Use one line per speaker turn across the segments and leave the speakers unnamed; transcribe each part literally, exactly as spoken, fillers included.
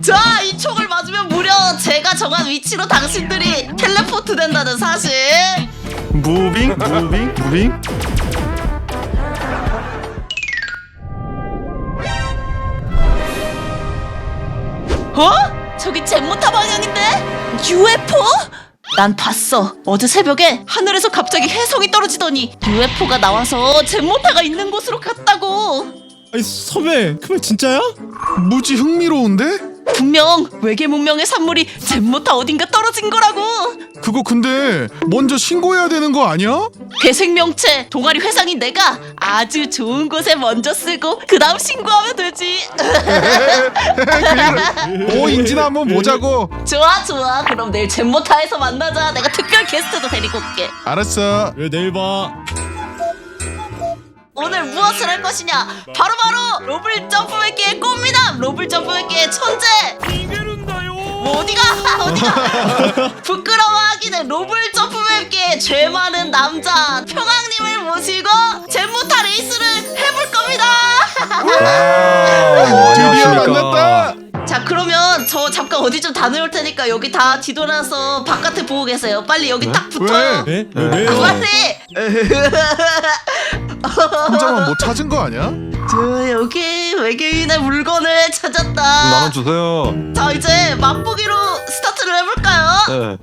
자, 이 총을 맞으면 무려 제가 정한 위치로 당신들이 텔레포트 된다는 사실.
무빙 무빙 무빙.
어? 저기 젠모타 방향인데? 유에프오? 난 봤어. 어제 새벽에 하늘에서 갑자기 혜성이 떨어지더니 유에프오가 나와서 젠모타가 있는 곳으로 갔다고.
아니 선배 그 말 진짜야?
무지 흥미로운데?
분명 외계 문명의 산물이 젠모타 어딘가 떨어진 거라고.
그거 근데 먼저 신고해야 되는 거 아니야?
괴생명체 동아리 회장인 내가 아주 좋은 곳에 먼저 쓰고 그 다음 신고하면 되지.
오 인지나 한번 보자고.
좋아 좋아. 그럼 내일 젠모타에서 만나자. 내가 특별 게스트도 데리고 올게.
알았어.
왜 내일 봐.
오늘 무엇을 할 것이냐? 바로바로 로블 점프맵기의 꽃미남, 로블 점프맵기의 천재. 뭐 어디가 어디가 부끄러워하기는 로블 점프맵기의 죄 많은 남자 평왕님을 모시고 젠모타 레이스를 해볼 겁니다.
드디어 만났다.
자, 그러면 저 잠깐 어디 좀 다녀올 테니까 여기 다 뒤돌아서 바깥에 보고 계세요. 빨리 여기 딱 붙어요.
왜?
네? 왜, 왜요?
빨리.
혼자만 뭐 찾은 거 아니야?
저 여기 외계인의 물건을 찾았다.
나눠주세요.
자, 이제 맛보기로 스타트를 해볼까요?
네.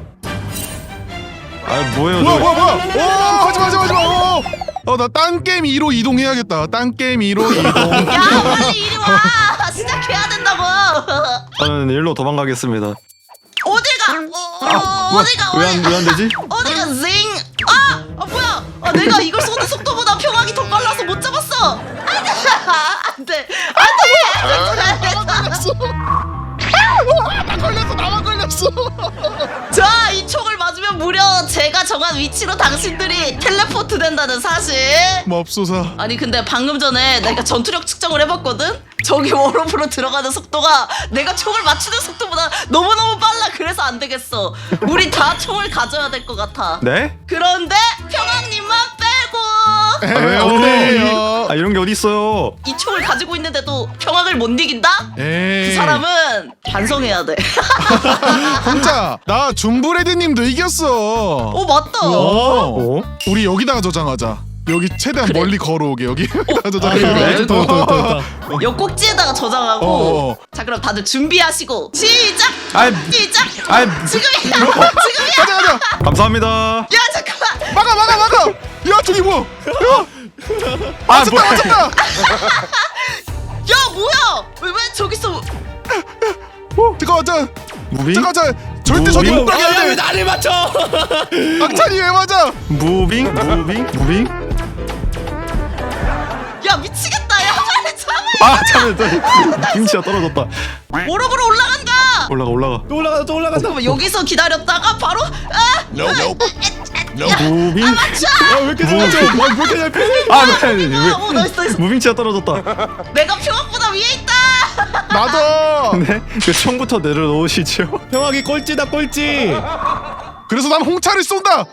아 뭐예요
뭐야
저?
뭐야 뭐야. 오 가지마 가지마 가지마. 어나 딴 게임 이로 이동해야겠다. 딴 게임 이로 이동.
야, 빨리 이리 와. 시작해야 된다고.
저는 일로 도망가겠습니다.
어디가? 어, 어, 어디가?
왜안 왜 안 되지?
어디가? 징. 아, 아 뭐야? 아, 내가 이걸 쏘는 속도보다 평화기 더 빨라서 못 잡았어. 안돼, 안돼, 안돼.
나 걸렸어. 나만 걸렸어.
자, 이 총을 맞으면 무려 제가 정한 위치로 당신들이 텔레포트 된다는 사실.
맙소사.
아니 근데 방금 전에 내가 전투력 측정을 해봤거든? 저기 워로프로 들어가는 속도가 내가 총을 맞추는 속도보다 너무너무 빨라. 그래서 안 되겠어. 우리 다 총을 가져야 될 것 같아.
네?
그런데 평왕님만 빼고.
아, 왜
어때요?
아 이런 게 어디 있어요?
이 총을 가지고 있는데도 평왕을 못 이긴다?
에이.
그 사람은 반성해야 돼.
혼자 나 줌브레드님도 이겼어.
어, 맞다.
어.
어?
우리 여기다가 저장하자. 여기 최대한
그래.
멀리 걸어오게 여기. 다
아
저장해.
그래? 좋다 좋다 좋다 좋다.
옆 꼭지에다가 저장하고.
어.
자, 그럼 다들 준비하시고 시작.
아이,
시작.
아이,
지금이야. 지금이야.
가자 가자.
감사합니다.
야, 잠깐만.
막아 막아 막아. 야 저기 뭐야? 야
아
맞췄다
뭐야?
맞췄다.
야, 뭐야? 왜, 왜 저기 있어?
잠깐만 자.
무빙?
잠깐 자. 절대 저기 못 가게
아왜
해.
나를 맞춰?
악찬이 왜 맞아?
무빙? 무빙? 무빙?
야, 미치겠다. 야, 빨리 잡아.
아 잠깐만 김치가 떨어졌다.
오락으로 올라간다.
올라가 올라가.
또 올라간다 또 올라간다.
잠깐만, 여기서 기다렸다가 바로 아!
무빙?
맞춰.
야왜 이렇게 잘 맞춰? 아왜 이렇게 잘 피해?
아 네, 왜?
어, 나이스, 나이스.
무빙치가 떨어졌다.
내가 평화보다 위에 있다.
나도.
네? 그 총부터 내려놓으시죠.
평화기 꼴찌다 꼴찌.
그래서 난 홍차를 쏜다.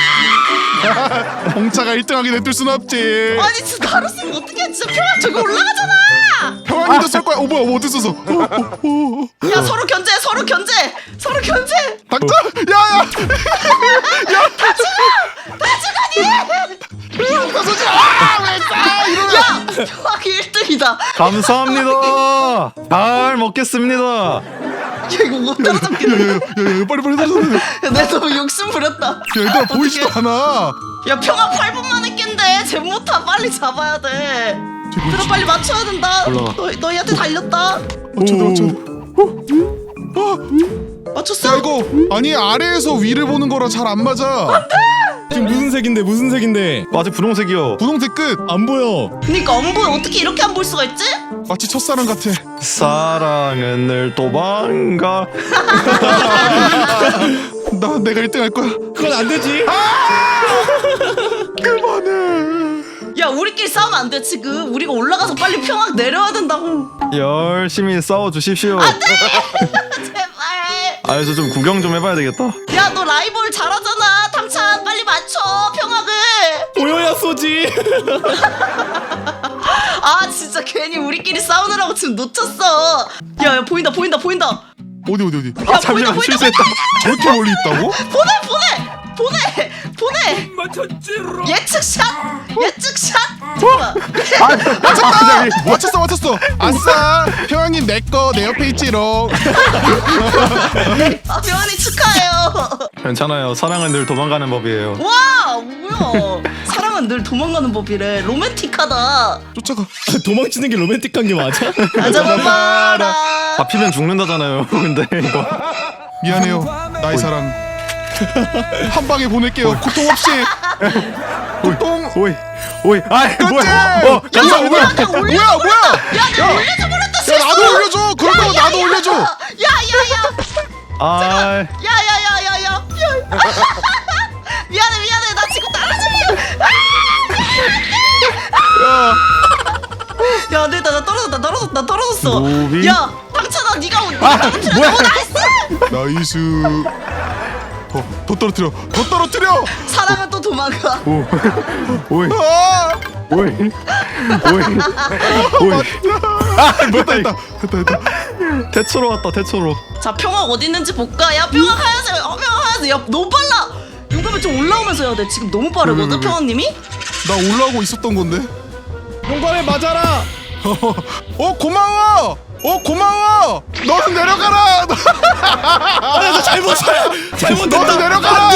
홍차가 일 등하게 냅둘 순 없지.
아니, 진짜 나로 쓰면 어떡해. 진짜 평화 저기 올라가잖아.
평안이도 쏠 거야. 어 뭐야 뭐 어디 있었어? 어, 어, 어.
야, 서로 견제, 서로 견제, 서로 견제.
닥쳐. 야야.
다 죽어니.
나 쏘지 마. 왜 싸? 이러면.
야, 평화기 일 등이다.
감사합니다. 잘 먹겠습니다.
야, 이거 못 따라잡겠네.
야야야 빨리 빨리 빨리.
야, 내 너무 욕심 부렸다.
야 얘들아 보이지도 않아.
야, 평화 팔 분 만에 깬대. 젠모타 빨리 잡아야 돼. 얘들아, 빨리 맞춰야 된다.
올라가.
너, 너희한테 달렸다.
어쩌다 어쩌다.
맞췄어?
야 이거 아니 아래에서 위를 보는 거라 잘 안 맞아.
지금 무슨 색인데 무슨 색인데?
아직 분홍색이요.
분홍색 끝.
안 보여.
그니까 안 보여. 어떻게 이렇게 안 볼 수가 있지?
마치 첫사랑 같아.
사랑은 늘 도망가.
나 내가 일 등 할 거야.
그건 안 되지.
그만해.
야, 우리끼리 싸우면 안 돼. 지금 우리가 올라가서 빨리 평화 내려야 된다고.
열심히 싸워 주십시오.
제발.
아, 저 좀 구경 좀 해봐야 되겠다.
야, 너 라이벌 잘하잖아. 탕찬 빨리 맞춰 평화를.
보여야 쏘지.
아 진짜 괜히 우리끼리 싸우느라고 지금 놓쳤어. 야야 보인다 보인다 보인다.
어디 어디 어디?
야
잠시만,
보인다 보인다
실수했다.
저렇게 멀리 있다고?
보내 보내 보내 보내. 예측샷 예측샷. 잠깐만.
맞췄다! 맞췄어 맞췄어. 아싸! 평양님 내꺼 내 옆에 있지롱.
아 병원이 축하해요.
괜찮아요. 사랑은 늘 도망가는 법이에요.
와 뭐야. 사랑은 늘 도망가는 법이래. 로맨틱하다.
쫓아가.
도망치는 게 로맨틱한 게 맞아?
나 잡아봐라.
잡히면 죽는다잖아요. 근데 이거
미안해요 나의 사랑. 한 방에 보낼게요 고통 없이. 고통.
오이 오이 아이
그렇지!
뭐야? 어 감사합니다.
뭐야 뭐야 뭐야?
야 내가 올려줘 버렸다.
야
실수.
나도 올려줘. 그렇다고
야,
나도
야,
올려줘.
야야야.
아
야야야야야. 미안해 미안해 나 지금 떨어지려. 야 안되겠다 나 떨어졌다 떨어졌다 나 떨어졌어.
무빙?
야 당찬아 네가 오-
아,
네가 떨어뜨려.
뭐야?
오 나이스.
나이스. 더, 더 떨어뜨려. 더 떨어뜨려.
사랑은 또 도망가.
오 오이
아!
오이 오이 오이 아 뭐야
됐다
이거
됐다 됐다 됐다.
대초로 왔다 대초로.
자 평화 어디 있는지 볼까. 야 평화 하얀색 어, 평화 하얀색. 야 너무 빨라. 용감이 좀 올라오면서 해야 돼. 지금 너무 빠르거든
왜, 왜, 왜?
평화님이.
나 올라오고 있었던 건데.
용감에 맞아라.
어 고마워. 어 고마워. 너는 내려가라.
아, 잘못 잘못됐다.
너는 내려가라.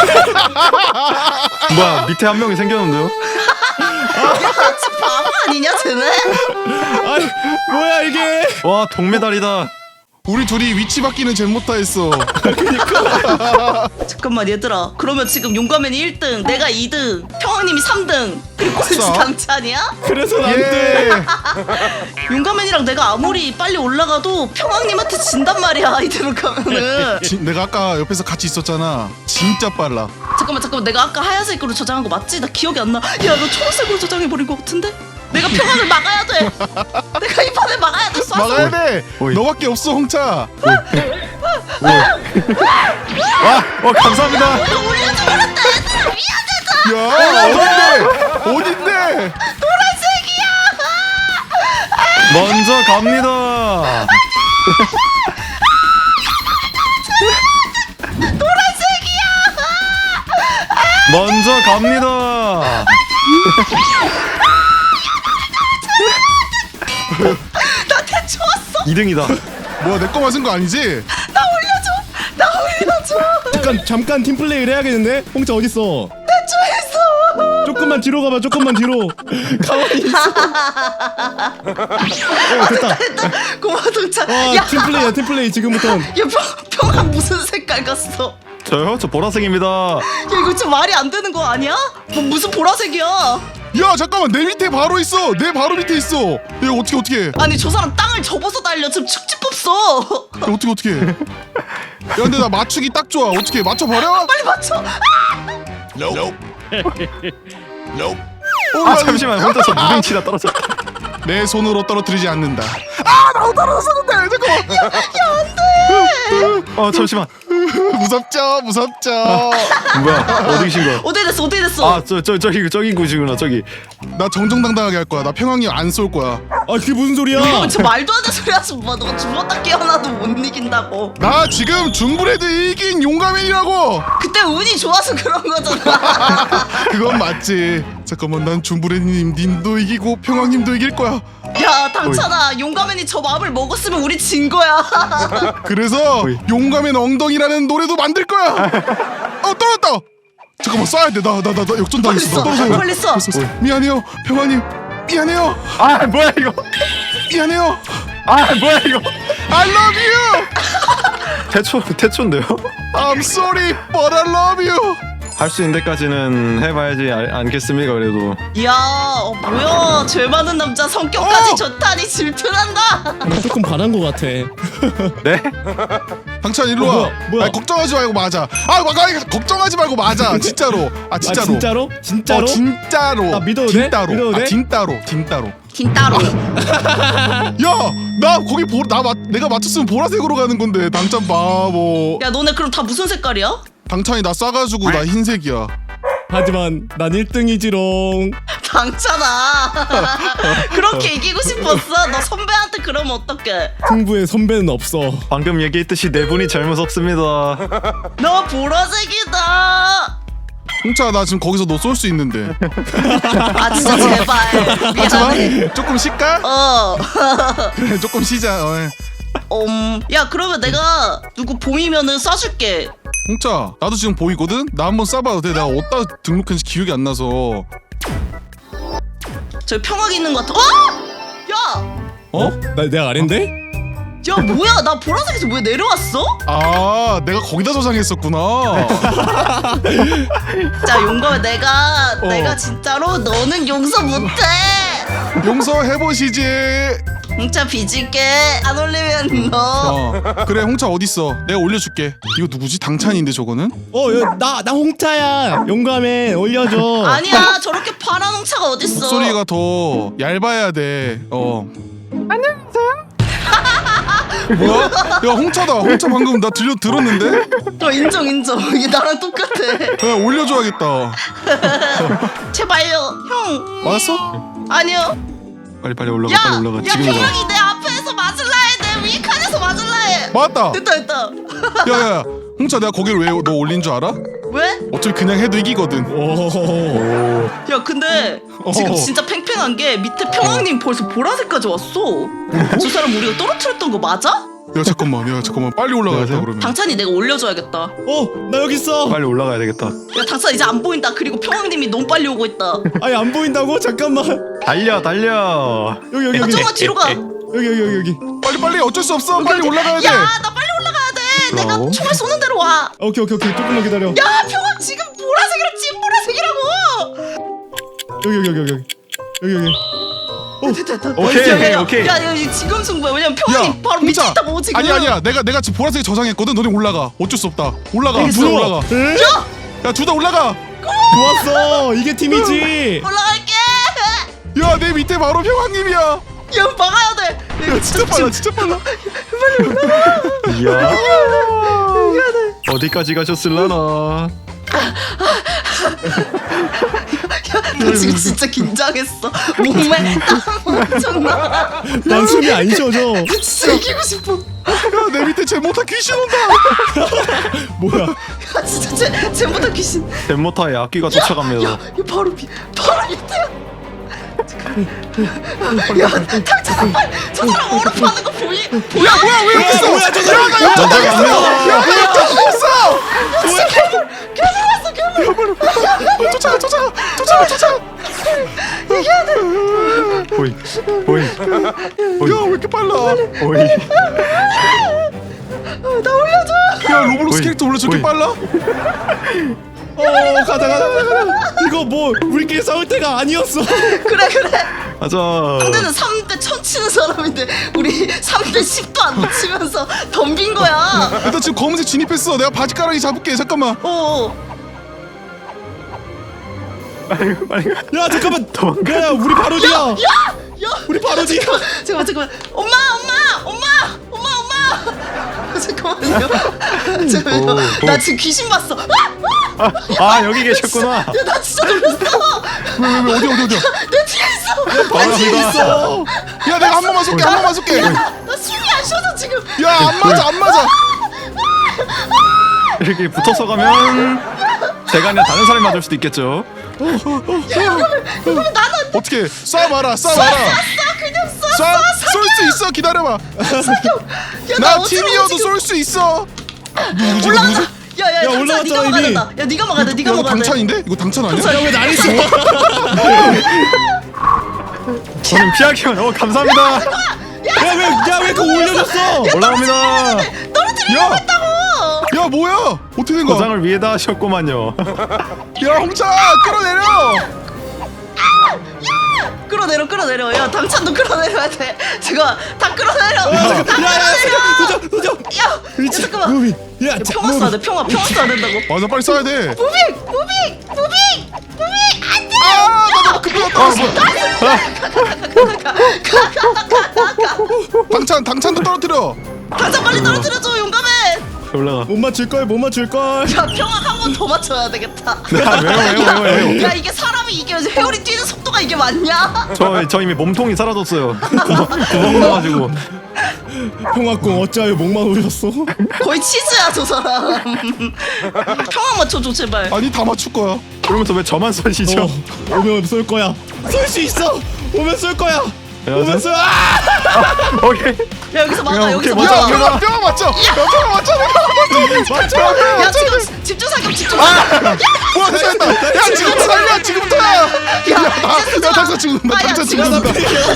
뭐야 밑에 한 명이 생겼는데요?
야 진짜 바보 아니냐 쟤네.
아니 뭐야 이게?
와 동메달이다.
우리 둘이 위치 바뀌는 잼 못다 했어.
잠깐만 얘들아 그러면 지금 용감맨이 일 등 내가 이 등 평왕님이 삼 등 그리고 꼴찌
아싸.
당찬이야?
그래서 안
예.
돼.
용감맨이랑 내가 아무리 빨리 올라가도 평왕님한테 진단 말이야 이대로 가면은.
지, 내가 아까 옆에서 같이 있었잖아. 진짜 빨라.
잠깐만 잠깐만 내가 아까 하얀색으로 저장한 거 맞지? 나 기억이 안 나. 야 너 초록색으로 저장해버린 거 같은데? 내가 평왕을 막아야 돼. 내가 이 판을 막아야 돼. 쏴서.
막아야 돼.
오이.
너밖에 없어 홍차.
와어 감사합니다.
내가 올려줘 버렸다 얘들아 미안하다.
야 어딘데? 어딘데?
노란색이야.
먼저 갑니다. 먼저 갑니다.
나 대초 왔어.
이 등이다.
뭐야 내 거 맞은 거 아니지?
나 올려줘. 나 올려줘.
잠깐 잠깐 팀 플레이를 해야겠는데? 홍차 어디 있어?
대초했어.
조금만 뒤로 가봐. 조금만 뒤로. 가만히 있어. 어 됐다.
고마워 동찬.
와
야,
팀 플레이야 팀 플레이 지금부터.
야 평, 평안 무슨 색깔 갔어?
저요? 저 보라색입니다.
야 이거 좀 말이 안 되는 거 아니야? 뭐 무슨 보라색이야?
야 잠깐만 내 밑에 바로 있어. 내 바로 밑에 있어. 야 어떻게 어떻게? 야
아니 저 사람 땅을 접어서 달려. 지금 축지법 써.
어떻게 어떻게? 야 근데 나 맞추기 딱 좋아. 어떻게 맞춰 버려?
빨리 맞춰.
아 잠시만 혼자 저 무빙 치다 떨어졌다.
내 손으로 떨어뜨리지 않는다. 아 나도 떨어졌었는데 잠깐만.
어 잠시만.
무섭죠 무섭죠.
뭐야 어디 계신 거야?
어디 됐어? 어디 됐어?
아 저 저 저기 저기 곳이구나 저기.
나 정정당당하게 할 거야. 나 평양님 안 쏠 거야.
아 그게 무슨 소리야?
어, 저 말도 안 되는 소리 하지 마. 너 죽었다 깨어나도 못 이긴다고.
나 지금 중브레드 이긴 용감인이라고.
그때 운이 좋아서 그런 거잖아.
그건 맞지. 잠깐만 난 중브레드님 님도 이기고 평양님도 이길 거야.
야 당찬아 용감맨이 저 마음을 먹었으면 우리 진 거야.
그래서
어이.
용감의 엉덩이라는 노래도 만들 거야. 어 떨어졌다. 잠깐만 쏴야 돼. 나 나 나 나 역전
빨리
당했어.
쏴.
나 떨어져.
빨리 쏴.
됐어, 됐어. 미안해요 평양님. 미안해요.
아 뭐야 이거?
미안해요.
아 뭐야 이거?
I love you.
태초 태초인데요?
I'm sorry, but I love you.
할 수 있는 데까지는 해봐야지 알, 않겠습니까 그래도.
야 어, 뭐야 죄 많은 남자 성격까지
어!
좋다니 질투난다.
나 조금 반한 거 같아.
네?
당찬 일로
어,
와.
뭐야, 뭐야?
아니, 걱정하지 말고 맞아. 아, 막 아니, 걱정하지 말고 맞아. 진짜로. 아,
아
진짜로.
진짜로? 진짜로?
어, 진짜로.
아, 믿어도 돼?
진짜로.
믿어도
아,
돼?
진짜로. 진짜로.
긴따로.
야, 나 거기 보, 나 맞, 내가 맞췄으면 보라색으로 가는 건데 당찬 바보.
야 너네 그럼 다 무슨 색깔이야?
당찬이 나 싸가지고 나 흰색이야.
하지만 난 일 등이지롱.
당찬아. 그렇게 이기고 싶었어? 너 선배한테 그러면 어떡해?
승부에 선배는 없어.
방금 얘기했듯이 네 분이 제일 무섭습니다.
너 보라색이다.
홍차 나 지금 거기서 너 쏠 수 있는데.
아 진짜 제발. 미안해.
하지만 조금 쉴까?
어.
그래 조금 쉬자. 어.
음. 야 그러면 내가 누구 보이면은 쏴줄게.
홍차 나도 지금 보이거든? 나 한번 쏴봐도 돼? 내가 어디다 등록했는지 기억이 안 나서.
저기 평화기 있는 것 같아. 어? 야.
어? 나 내가 아랜데?
야 뭐야 나 보라색에서 왜 내려왔어?
아 내가 거기다 저장했었구나.
자 용감해 내가
어.
내가 진짜로 너는 용서 못해.
용서해보시지.
홍차 빚을게. 안 올리면 너.
어 그래 홍차 어딨어? 내가 올려줄게. 이거 누구지? 당찬인데 저거는?
어나나 홍차야. 용감해 올려줘.
아니야 저렇게 파란 홍차가 어딨어.
목소리가 더 얇아야 돼. 어. 안녕하세요. 뭐야? 야 홍차다. 홍차 방금 나 들려 들었는데?
어, 인정 인정. 이게 나랑 똑같아.
야 올려줘야겠다.
제발요 형.
맞았어?
아니요.
빨리 빨리 올라가
야,
빨리 올라가
야
지금이다.
평화기 내 앞에서 맞을라 해. 내 위 칸에서 맞을라 해.
맞았다.
됐다 됐다.
야야야 홍차 내가 거기를 왜 너 올린 줄 알아?
왜?
어차피 그냥 해도 이기거든.
오.
야 근데 지금
어.
진짜 팽팽한 게 밑에 평왕님 벌써 보라색까지 왔어. 저 사람 우리가 떨어뜨렸던 거 맞아?
야 잠깐만 야 잠깐만 빨리 올라가야 돼
안녕하세요?
그러면.
당찬이 내가 올려줘야겠다.
어나 여기 있어.
빨리 올라가야 되겠다.
야 당찬 이제 안 보인다. 그리고 평왕님이 너무 빨리 오고 있다.
아니 안 보인다고? 잠깐만.
달려 달려.
여기 여기
야
여기
조금만 뒤로 가.
여기 여기 여기 여기.
빨리 빨리 어쩔 수 없어. 빨리 올라가야 돼.
야 나 빨리 올라가야 돼. 내가
뭐라고?
총알 쏘는 대로 와.
오케이 오케이 오케이 조금만 기다려.
야 평왕 지금 보라색이랑 찐 보라색이라고.
여기 여기 여기 여기 여기 여기.
됐다 됐다.
오케이,
야, 야, 야.
오케이.
야, 야 이 지금 승부야. 왜냐면 평왕이 바로 밑에
홍차.
있다고 지금.
아니 아니야 내가 내가 지금 보라색 저장했거든. 너네 올라가. 어쩔 수 없다. 올라가.
알겠어.
둘 다 올라가.
에?
야 둘 다 올라가.
좋았어. 이게 팀이지.
올라갈게.
야 내 밑에 바로 평왕님이야.
야 막아야 돼.
야 진짜 빨라 진짜 빨라.
이야. 어디까지 가셨을라나.
나 지금 진짜 긴장했어. 몸에 땀 엄청 나.
난 숨이 안 쉬어져.
진짜 이기고 싶어.
야 내 밑에 제모타 귀신 온다.
뭐야?
야 진짜 제 제보다 귀신.
덴모타의 악기가 쫓아갑니다.
야 바로 밑 바로 밑에야. 야 당장 빨리 저 사람 얼음파는 거 보이 보여?
야 뭐야 왜 여기 있어?
뭐야, 저 사람.
야나 옆에
먼저
있어.
갑니다.
야나 옆에 있어.
괴물 왔어 괴물.
쫓아가 쫓아가 쫓아가 쫓아가.
보이 보이 보이
야 왜 이렇게 빨라?
보이.
나 올려줘.
야 로블록스
보이,
캐릭터 원래 저렇게
보이.
빨라?
어 가자 가자 가자 가자. 이거 뭐 우리끼리 싸울 때가 아니었어.
그래 그래.
가자.
상대는 삼 대 천 치는 사람인데 우리 삼 대 십도 안 놓치면서 덤빈 거야.
나 지금 검은색 진입했어. 내가 바지가랑이 잡을게. 잠깐만.
어.
빨리 빨리 가.
야 잠깐만.
도망가.
야 우리 바로 뒤야.
야! 야!
우리 바로 뒤야.
잠깐만 잠깐만 엄마 엄마 엄마 엄마 엄마 잠깐만요. 잠깐만요.
오, 오.
나 지금 귀신 봤어. 아! 아!
아, 아 여기 계셨구나.
야, 나 진짜 놀랐어.
왜 왜 왜 어디 어디 어디야?
내 뒤에 있어.
바로
뒤에
갑니다.
있어.
야 내가 한 번만 쏠게. 한 번만 쏠게.
야, 나, 나 숨이 안 쉬어서 지금.
야 안 맞아 안 맞아.
이렇게 붙어서 가면 제가 아니라 다른 사람이 맞을 수도 있겠죠.
그러면 나는
어떻게 쏴봐라 쏴봐라.
쏴 그냥 쏴.
쏴쏠 수 있어. 기다려봐.
야,
나
어쩌라고
팀이어도
지금
쏠 수 있어. 누구지
올라가.
누구지?
야, 야,
야,
당찬
올라갔잖아,
네가 막아야
이미.
된다. 야, 네가 막아야 돼. 네가
야, 이거
막아야 돼.
당찬인데? 이거 당찬 아니야?
당찬.
야왜 날 있어?
저는 피하기만. 어 감사합니다.
야왜야왜 그거 올려줬어?
올라갑니다.
떨어뜨리려고
야!
했다고.
야 뭐야? 어떻게 된 거야?
고장을 위에다 하셨구만요.
야 홍차 끌어내려.
끌어내려, 끌어내려. 야, 당찬도 끌어내려야 돼. 제가 다 끌어내려. 다
야야
끌어내려.
도전 도전.
야, 야, 잠깐만.
무빙. 야
야,
자,
평화
무빙.
써야 돼. 평화, 평화 써야 된다고.
맞아 빨리 쏴야 돼.
무빙, 무빙, 무빙, 무빙. 안 돼.
아나 너무 급하게 떨어졌어. 당찬 당찬도 떨어뜨려.
당찬 빨리 떨어뜨려줘, 용감해.
올라가.
못 맞출 걸, 못 맞출 걸.
야 평학 한 번 더 맞춰야 되겠다.
아, 왜요 왜요 왜요 왜요?
야 이게 사람이 이게 회오리 뛰는 속도가 이게 맞냐?
저, 저 이미 몸통이 사라졌어요. 구멍, 구멍 나가지고.
평화공 어찌하여 목만 오셨어?
거의 치즈야 저 사람. 평학 맞춰줘 제발.
아니 다 맞출 거야.
그러면서 왜 저만 쏘시죠?
어, 오면 쏠 거야. 쏠 수 있어. 오면 쏠 거야. 오면 쏠. 아!
오케이.
야 여기서 막아
야,
여기서
오케이,
야
막아.
뼈 뼈 맞죠? 야 뼈 맞죠?
맞춰.
야 지금 집중 사격 집중 사격.
뭐야 됐다. 야 지금부터 살려 지금부터. 야야 당장 죽는다.
아, 야,
당장
지금
죽는다.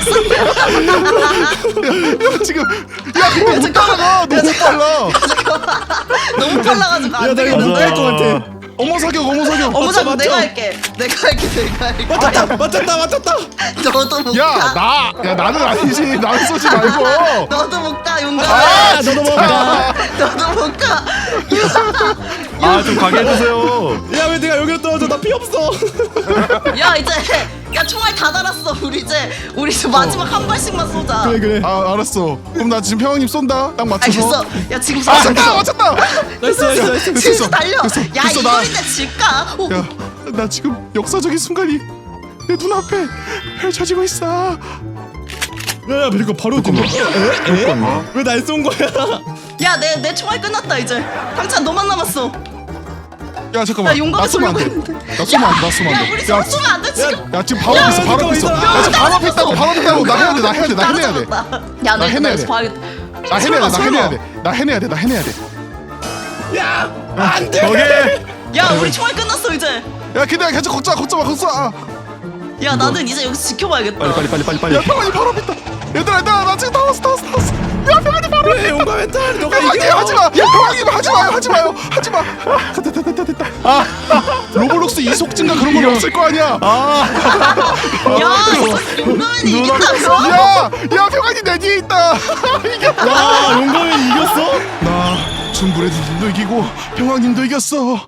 야 지금 야 근데 못 따라가. 너무 빨라.
너무 빨라가지고
야,
안
나 이거
되겠다.
못할 것 같아.
어머 사격 어머 사격.
어머 잠깐
맞죠?
내가 할게. 내가 할게 내가 할게.
맞췄다, 맞췄다, 맞췄다.
너도 못
야
가.
나 야 나는 아니지. 나는 쏘지 말고.
너도 못 가 용감해.
아, 너도 먹어.
너도 못 가.
아, 좀 가게 해주세요.
야, 왜 내가 여기로 떨어져? 나 피 없어.
야 이제 야 총알 다 달았어. 우리 이제 우리 이제 마지막 한 발씩만 쏘자.
그래, 그래.
아 알았어. 그럼 나 지금 평왕님 쏜다. 딱 맞춰서.
알겠어. 야 지금 쏴.
맞췄다 맞췄다.
나이스, 나이스, 나이스.
됐어,
치즈
됐어.
달려.
됐어,
야
됐어, 나-
이거인데 질까? 오,
야, 나 지금 역사적인 순간이 내 눈앞에 펼쳐지고 있어.
야, 야, 이거 바로 좀. 에? 에? 왜 날 쏜 거야?
야내 내 총알 끝났다 이제. 당찬 너만 남았어.
야 잠깐만.
야, 용감해
나 쏘면 안 돼.
돌리고
나 쏘면 안 돼. 나 쏘면
야
안 돼.
우리
야,
서로 쏘면 안 돼 지금.
야 지금 바로
야,
앞에 있어. 바로 앞에 있어.
잠깐만,
야 지금 바로 앞에 있다고. 바로 앞에 있다고. 나 해야 돼. 나 해야 돼. 나 해야 돼. 나 해내야 돼.
야너
나
이거
해내야
나
돼.
봐야겠다.
나 해내야 돼. 나 해내야 돼. 나 해내야 돼. 나 해내야 돼. 나 해내야 돼.
야, 안 돼.
오케이.
야 우리 총알 끝났어 이제.
야 근데 계속 걷자 걷자 마 걷자. 아.
야 나는 이제 여기서 지켜봐야겠다.
빨리 빨리 빨리 빨리 빨리.
야 평안이 바로 앞에 있다. 얘들아 얘들아 나 지금 다 왔어 다 왔어 다 왔어. 야 평안이 바로
그래, 용감 멘탈. 너가
평안이
이겨.
하지 마. 야 평안이 하지 마요 하지 마요 하지 마. 아, 됐다 됐다 됐다 됐다. 아 로블록스 이속 증가 그런 건 없을 거 아니야.
아,
야 이거 용감한이 이긴다고?
야, 야 평안이 내 뒤에 있다. 이겼다.
와, 용감이 이겼어?
나 중브레드님도 이기고 평왕님도 이겼어.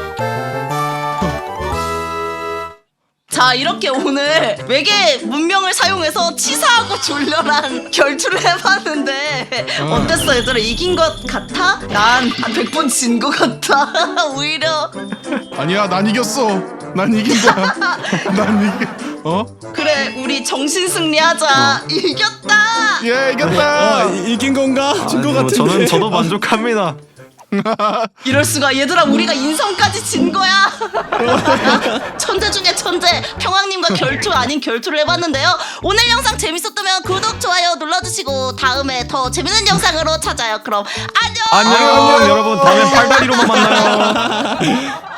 자 이렇게 오늘 외계 문명을 사용해서 치사하고 졸렬한 결투를 해봤는데 어땠어 얘들아? 이긴 것 같아? 난 한 백 번 진 것 같아. 오히려
아니야, 난 이겼어. 난 이긴다. 난 이기. 어?
그래 우리 정신 승리하자. 이겼다.
예, 이겼다.
어, 이- 이긴 건가? 진 거
아니, 뭐
같은데.
저는 저도 만족합니다.
이럴 수가. 얘들아 우리가 인성까지 진 거야. 천재 중에 천재 평왕님과 결투 아닌 결투를 해봤는데요. 오늘 영상 재밌었다면 구독 좋아요 눌러주시고 다음에 더 재밌는 영상으로 찾아요. 그럼 안녕.
안녕 여러분. 다음엔 팔다리로만 만나요.